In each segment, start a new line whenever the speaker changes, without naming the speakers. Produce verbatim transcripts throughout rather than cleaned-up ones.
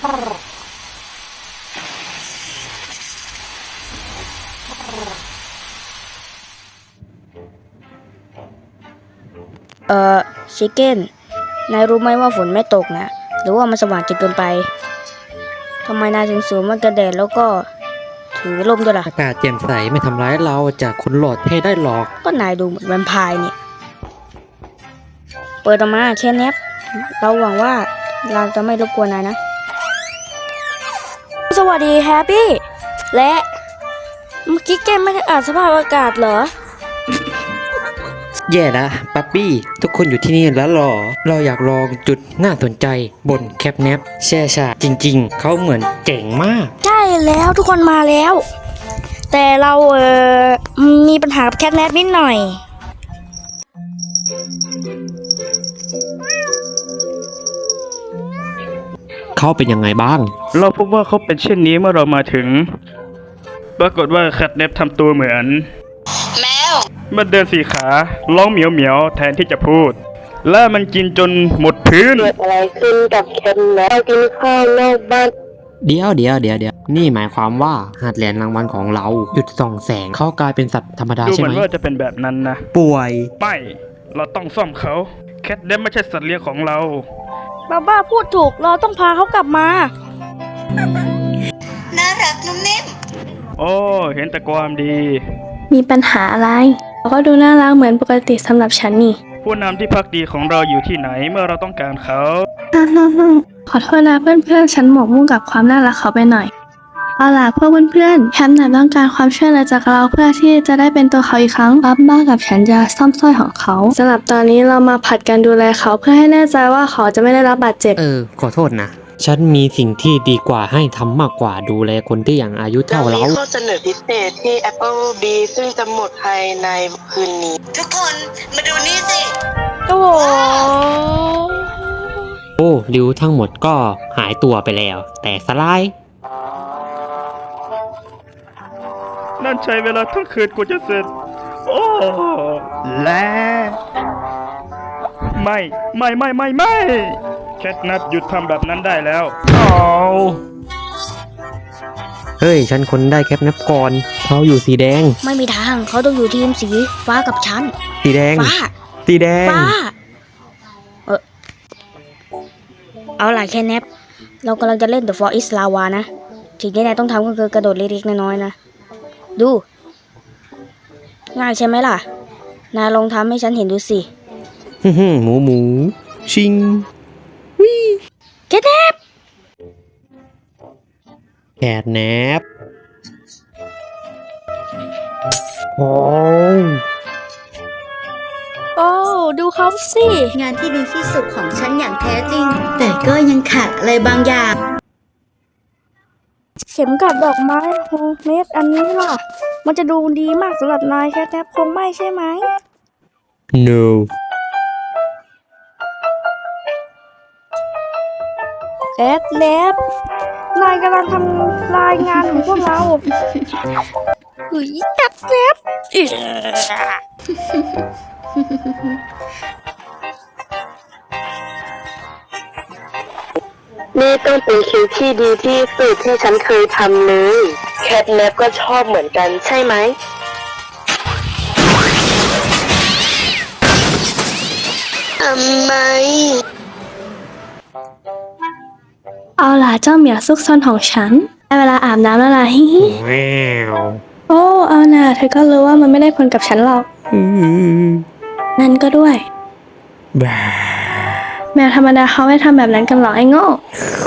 เอ่อชิคเก้นนายรู้ไหมว่าฝนไม่ตกนะหรือว่ามันสว่างจนเกินไปทำไมนายถึงสวมแว่นกันแดดแล้วก็ถือร่มด้วยล่ะ
อากาศแจ่มใสไม่ทำร้ายเราจากคนหลอดเท่ได้หรอก
ก็นายดูเหมือนแวมไพร์เนี่ยเปิดออกมาแค่แนบเราหวังว่าเราจะไม่รบกวนนายนะสวัสดีแฮปปี้และเมื่อกี้แกไม่ได้อ่านสภาพอากาศเหรอ
แย่ละปั๊ปปี้ทุกคนอยู่ที่นี่แล้วหรอเราอยากลองจุดน่าสนใจบนแคปแนปแช่ชาจริงๆเขาเหมือนเจ๋งมาก
ใช่แล้วทุกคนมาแล้วแต่เราเออมีปัญหากับแคทแนปนิดหน่อย
เขาเป็นยังไงบ้าง
เราพบว่าเขาเป็นเช่นนี้เมื่อเรามาถึงปรากฏว่าแคทเนปทำตัวเหมือนแมวมันเดินสี่ขาร้องเหมียวเหมียวแทนที่จะพูดและมันกินจนหมดพื้น
เกิดอะไรขึ้นกับแคทแนปกินข้าวนอกบ้าน
เดี๋ยวเดี๋ยวเดี๋ยวเดี๋ยวนี่หมายความว่าหาดเหรียญรางวัลของเราหยุดส่องแสงเขากลายเป็นสัตว์ธรรมดา
ดู
ใช่ไห
เหมื
ม
อนว่าจะเป็นแบบนั้นนะ
ป่วย
ไม่เราต้องซ่อมเขาแคทเนปไม่ใช่สัตว์เลี้ยงของเรา
บ้าบ้าพูดถูกเราต้องพาเขากลับมา
น่ารักนุ่มนิ่ม
โอ้เห็นแต่ความดี
มีปัญหาอะไรเขาก็ดูน่ารักเหมือนปกติสำหรับฉันนี่
ผู้นำที่พักดีของเราอยู่ที่ไหนเมื่อเราต้องการเขา
ขอโทษนะเพื่อนๆฉันหมกมุ่นกับความน่ารักเขาไปหน่อยเอาล่ะพวกเพื่อนๆแฮมน่ะต้องการความช่วยเหลือจากเราเพื่อที่จะได้เป็นตัวเขาอีกครั้งบับบ้ากับฉันจะซ่อมสร้อยของเขาสำหรับตอนนี้เรามาผัดกันดูแลเขาเพื่อให้แน่ใจว่าเขาจะไม่ได้รับบาดเจ็บ
เออขอโทษนะฉันมีสิ่งที่ดีกว่าให้ทำมากกว่าดูแลคนที่อย่างอายุเท่าเรา
มีข้อเสนอพิเศษที่ Apple ดี ซึ่งจะหมดภายในคืนนี้ ทุกคนมาดูนี่สิ
โอ้โห
โอ้ริ้วทั้งหมดก็หายตัวไปแล้วแต่สลาย
นั่นใช้เวลาทั้งคืนกว่าจะเสร็จโอ้และไม่ไม่ไม่ไม่ไม่แคทนัทหยุดทำแบบนั้นได้แล้วโอ้
เฮ้ยฉันคนได้แคปนับก่อนเขาอยู่สีแดง
ไม่มีทางเขาต้องอยู่ทีมสีฟ้ากับฉัน
สีแดง
ฟ้า
สีแดง
ฟ้าเออเอาล่ะแค่แนบเรากำลังจะเล่น The For Is Lava นะสิ่งที่นายต้องทำก็คือกระโดดเล็กๆน้อยๆนะดูง่ายใช่ไหมล่ะนายลองทำให้ฉันเห็นดูสิ
ฮึ่มหมูหมูชิงวิ
แคทแนบ
แคทแนบโอ้
โอ้ดูเขาสิ
งานที่ดีที่สุดของฉันอย่างแท้จริงแต่ก็ยังขาดอะไรบางอย่าง
เข็มกัดดอกไม้โฮมเมดอันนี้ล่ะมันจะดูดีมากสำหรับนายแคทแนบคงไม่ใช่ไหม
no
แคทแนบนายกำลังทำรายงานของพวกเราเฮ้ยแคทแนบ
นี่ต้องเป็นคิวที่ดีที่สุดที่ฉันเคยทำเลยแคทแนปก็ชอบเหมือนกันใช่ไหมทำไม
เอาล่ะเจ้าเหมียวซุกซนของฉันได้เวลาอาบน้ำแล้วล่ะฮิฮิโอ้เอาน่ะเธอก็รู้ว่ามันไม่ได้ผลกับฉันหรอกนั่นก็ด้วยแมวธรรมดาเขาไม่ทำแบบนั้นกันหรอกไอ้โง่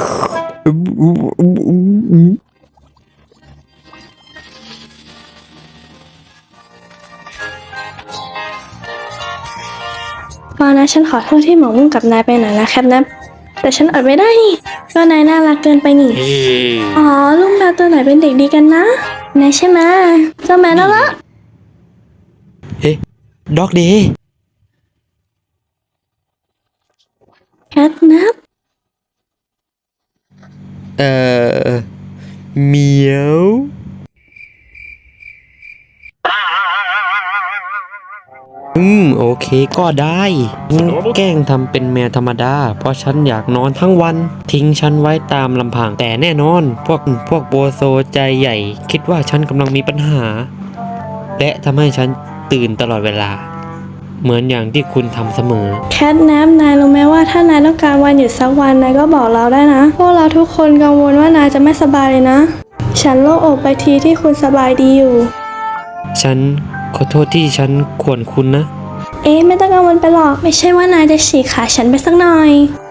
ตอนนั้นฉันขอโทษที่หมกมุ่นกับนายไปหน่อยนะครับนะแต่ฉันอดไม่ได้นี่ก็นายน่ารักเกินไปนี่อ๋อลูกแมวตัวไหนเป็นเด็กดีกันนะนายใช่ไหมเจ้าแมวน่ารัก
เอ๊ะด็อกเดย์
แคทนับ
เอ่อเหมียวอืมโอเคก็ได้งั้นแกล้งทำเป็นแมวธรรมดา เพราะฉันอยากนอนทั้งวัน ทิ้งฉันไว้ตามลำพังแต่แน่นอน พวกพวกโบโซใจใหญ่ คิดว่าฉันกำลังมีปัญหา และทำให้ฉันตื่นตลอดเวลา เหมือนอย่างที่คุณทำเสมอ
แคทแนปนายรู้ไหมว่าถ้านายต้องการวันหยุดสักวันนายก็บอกเราได้นะ พวกเราทุกคนกังวลว่านายจะไม่สบายเลยนะ ฉันโล่งอกไปทีที่คุณสบายดีอยู่
ฉันขอโทษที่ฉันขวนคุณนะ
เอ๊ะไม่ต้องกังวลไปหรอก ไม่ใช่ว่านายจะฉีกขาฉันไปสักหน่อย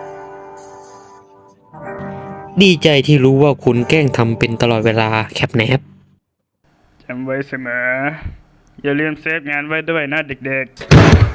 ดีใจที่รู้ว่าคุณแกล้งทำเป็นตลอดเวลาแคปแนป
จำไว้เสมอ อย่าลืมเซฟงานไว้ด้วยนะเด็กๆ